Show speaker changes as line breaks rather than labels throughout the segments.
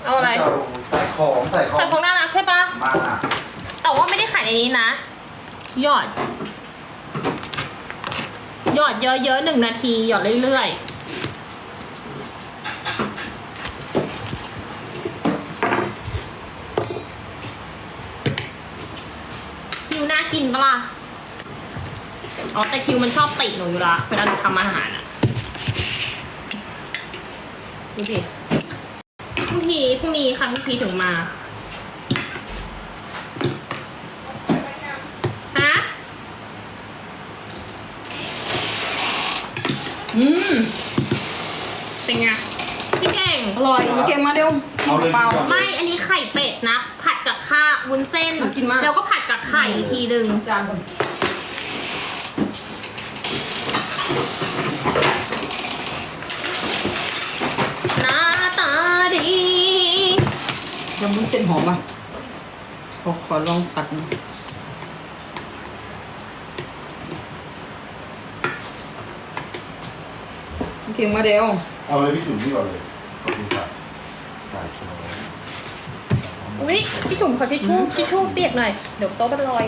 เอาอะไร
ใส่ของ
น่ารักใช่ปะ
มา
แต่ว่าไม่ได้ขายในนี้นะหยอดเยอะๆ1 นาทีหยอดเรื่อยๆคิวน่ากินปะล่ะอ๋อแต่คิวมันชอบติหนูอยู่ละเวลาหนูทำอาหารอะดูดิพรุ่งนี้ค่ะพรุ่งนี้ถึงมาฮะเป็นไงพี่เก่ง
อร่อยพี่เก่งมาเร็วกินเปล่า
ไม่อันนี้ไข่เป็ดนะ ผัดกับข้าววุ้นเส้น
น่ากินมาก
แล้วก็ผัดกับไข่อีกทีนึง
จานก่อน
หน้าตาดี
ยำวุ้นเส้นหอมอ่ะขอลองตัดนะพี่เก่งมาเร็ว
เอาเลยพี่จุ๋มนี่ก่อนเลยขอบคุณครับใส่ช้อน
อุ๊ยพี่จุ๋มขอทิชชู่เปียกหน่อย เดี๋ยวโต๊ะมันลอย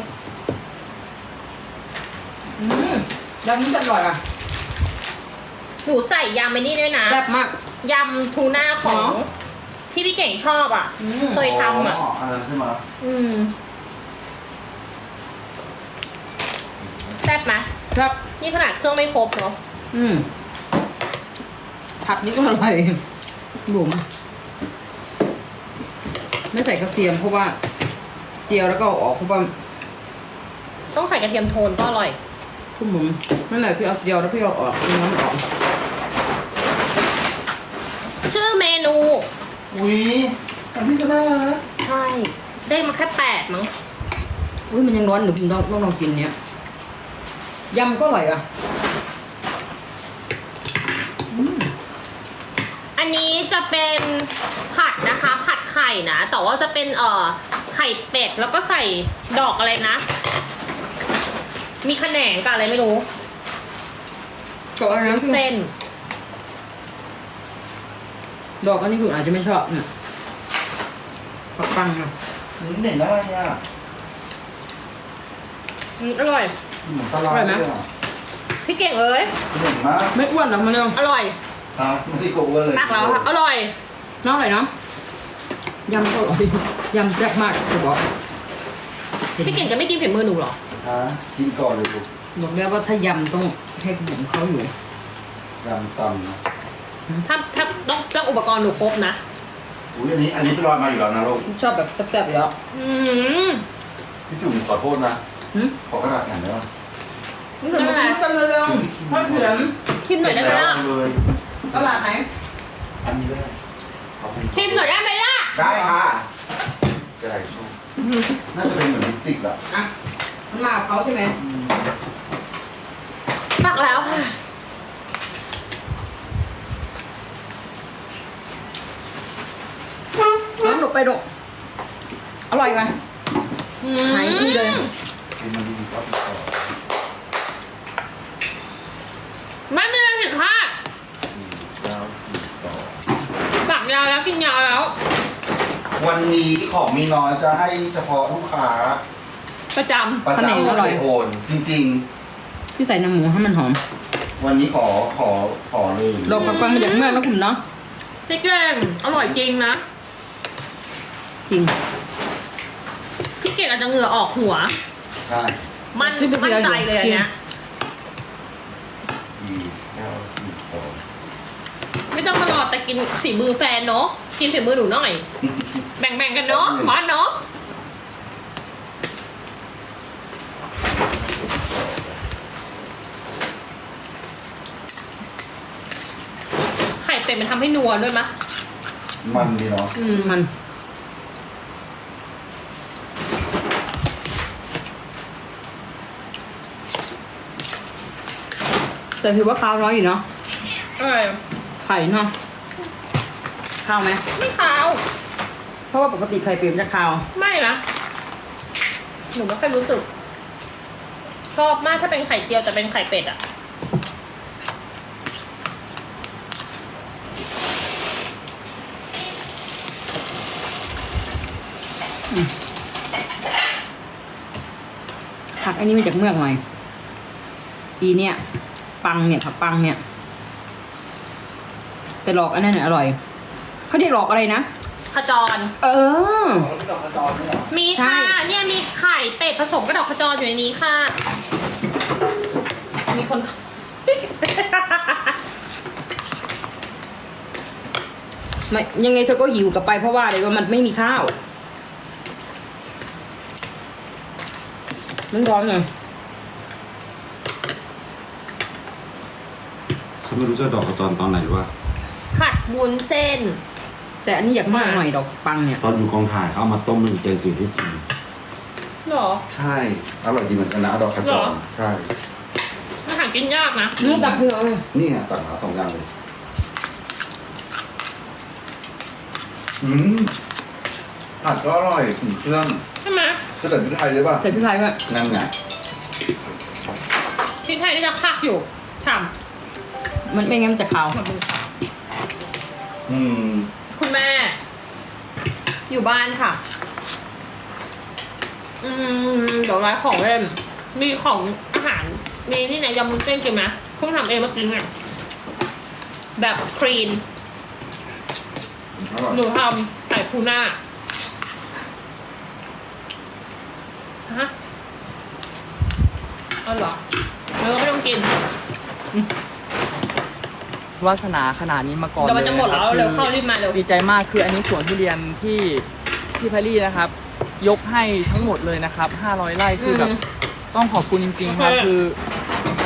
ยำวุ้นเส้นอร่อยอ่ะ
หนูใส่ยำไปนี่ด้วยนะ
แซ่บมาก
ยำทูน่าของที่พี่เก่งชอบอ่ะ เคยทำอ่ะ
อันนั้นใช่ไหม
แซ่บไหม
ครับ
นี่ขนาดเครื่องไม่ครบเนาะ
ผัดนี่ก็อร่อยบุ๋มไม่ใส่กระเทียมเพราะว่าเจียวแล้วก็เอาออกเพราะว่า
ต้องใส่กระเทียมโทนก็อร่อย
คุณบุ๋มนั่นแหละพี่เอาเจียวแล้วพี่เอาออกเอาน้ำออก
ชื่อเมนู
อุ้ยอันนี้ก็น่ารัก
ใช่ ได้มาแค่8มั้ง
อุ้ยมันยังร้อนหนูผมต้องลองกินเนี้ยยำก็อร่อยอ่ะ
อันนี้จะเป็นผัดนะคะ ผัดไข่นะ แต่ว่าจะเป็นไข่เป็ดแล้วก็ใส่ดอกอะไรนะ มีขะแหนงกับอะไรไม่รู้
ดอกอะไรนะ
เส้น
ดอกอันนี้คุณอาจจะไม่ชอบเนี่ยปักปังอ่ะ
นี่เหม็นอะไรอ่ะ
อร่อย
เหมือนปลาร้าเลยอ่ะ
พี่เก่งเอ้ย
เหม็นมาก
ไม่อ้วนหรอกมันเร็ว
อร่อย
ฮะไม่ได้โกงเลย
ตักแล้วค่ะอร่อย
น้องอะไรเนาะยำก็อร่อยยำแซ่บมากจะบอก
พี่เก่งจะไม่กินฝีมือหนูเหรอ
ฮะกินก่อนเลยลูก
บอกแล้วว่าถ้ายำต้องให้บุ๋มเขาอยู่
ยำตำนะ
ถ้าต้องอุปกรณ์หนูครบนะ
อุ้ยอันนี้เป็นรอยมาอยู่แล้วนะลูก
ชอบแบบแซ่บๆอยู่แล้ว
พี่จุ๋มขอโทษนะ
หืม
ขอกระดาษแผ่นได้ไหม
นี่เดี๋ยวมาคุยกันเร็วๆพ่อเถียง
ชิมหน่อยได้ไหมล่ะ
เลย
ตลาดไหน
อันนี้ได้ขอบคุณ
ชิมหน่อยได้ไหมล่ะ
ได้ค่ะกระดาษชูน่าจะเป็นเหมือนลิปสติกอะ
อ่ะมันมากับเขาใช่ไหม
ตักแล้วค่ะ
น้องหนูไปดูอร่อยไหมหายดีเลย
กินมันดีๆก็ติดต่อ
ไม่มีอะไรผิดพลาด
4 9 4 2
ตักยาวแล้วกินยาวแล้ว
วันนี้ของมีน้อยจะให้เฉพาะลูกค้า
ประจ
ประ
ขนม
จำ
อร่อย
โอนจริง
พี่ใส่น้ำหมูให้มันหอม
ๆ วันนี้ขอเลย
ลองปักปังมาจากเมืองนะคุณเนาะ
ำพี่เก่งอร่อยจริงนะ
จริง
พี่เก่งอาจจะเหงื่อออกหัว
ใช่
มั่นใจเลยอันเนี้ย
4 9 4 2
ไม่ต้องมารอแต่กินฝีมือแฟนเนาะ กินฝีมือหนูหน่อย แบ่งๆกันเนาะบอสเนาะ ไข่เป็ดมันทำให้นัวด้วยมะ
มันดีเนาะ
มันแต่ถือว่าข้าวน้อยอยู่เนาะ
อร่อย
ไข่เนาะข้าวไหม
ไม่ขาว
เพราะว่าปกติไข่เปรียมจะข้าว
ไม่นะ หนูไม่ค่อยรู้สึก ชอบมากถ้าเป็นไข่เจียวแต่เป็นไข่เป็ดอะ
ผักอันนี้มาจากเมืองหน่อยอีเนี่ยปังเนี่ยผักปังเนี่ยแต่หลอกอันนั้นเนี่ยอร่อยเขาเรียกหลอกอะไรนะ
ขจร
เออ
ไม่ดอกกระจรไม่หรอ
มี
ใช่
ค่ะ เนี่ยมีไข่เป็ดผสมกับดอกขจรอยู่ในนี้ค่ะ มีคน
ไม่ยังไงเธอก็หิวกลับไปเพราะว่าอะไรว่ามันไม่มีข้าวมันร้อนเลย
ฉันไม่รู้จะดอกกระจรตอนไหนหรือว่า
ผัดวุ้นเส้น
แต่อันนี้อยากมากหน่อยดอกปังเนี่ย
ตอนอยู่กองถ่ายเขาเอามาต้มเป็นแกงจืดให้กิน
หรอ
ใช่อร่อยดีเหมือนกันนะดอกกระจ
หร
ร
อ
ใช่
อาหารกินยากนะ
เนื้อตักเนื้อเลย
นี่ไงตัดมา2 อย่างเลยผัดก็อร่อยถึงเครื่อง
ใช่ไหม
จะใส่พริกไทยเลยป่ะ
ใส่พริกไทยด้วย
นั่นไง
พริกไทยนี่จะคักอยู่ฉ่
มันไม่งั้นมันจะขาว
ำขอบคุณค่ะ
อืม
คุณแม่ อยู่บ้านค่ะ เดี๋ยวร้านของเล่น มีของอาหาร มีนี่ไหนยำมุ้นเส้นกินไหมเพิ่งทำเองเมื่อกี้เนี่ยแบบคลีน
อร่อย
หนูทำไก่ทูน่าฮะเอาเหรอแล้วก็ไม่ต้องกิน
วาสนาขนาดนี้มาก่อน
เดี๋ยวมันจะหมดแล้ว
ลย
เร็ว
นะค
เข้า
รับ
รีบมาเร็ว
ดีใจมากคืออันนี้สวนทุเรียนที่แพรรี่นะครับ ยกให้ทั้งหมดเลยนะครับ500 ไร่คือแบบต้องขอบคุณจริงๆครับ
โอเค
คือ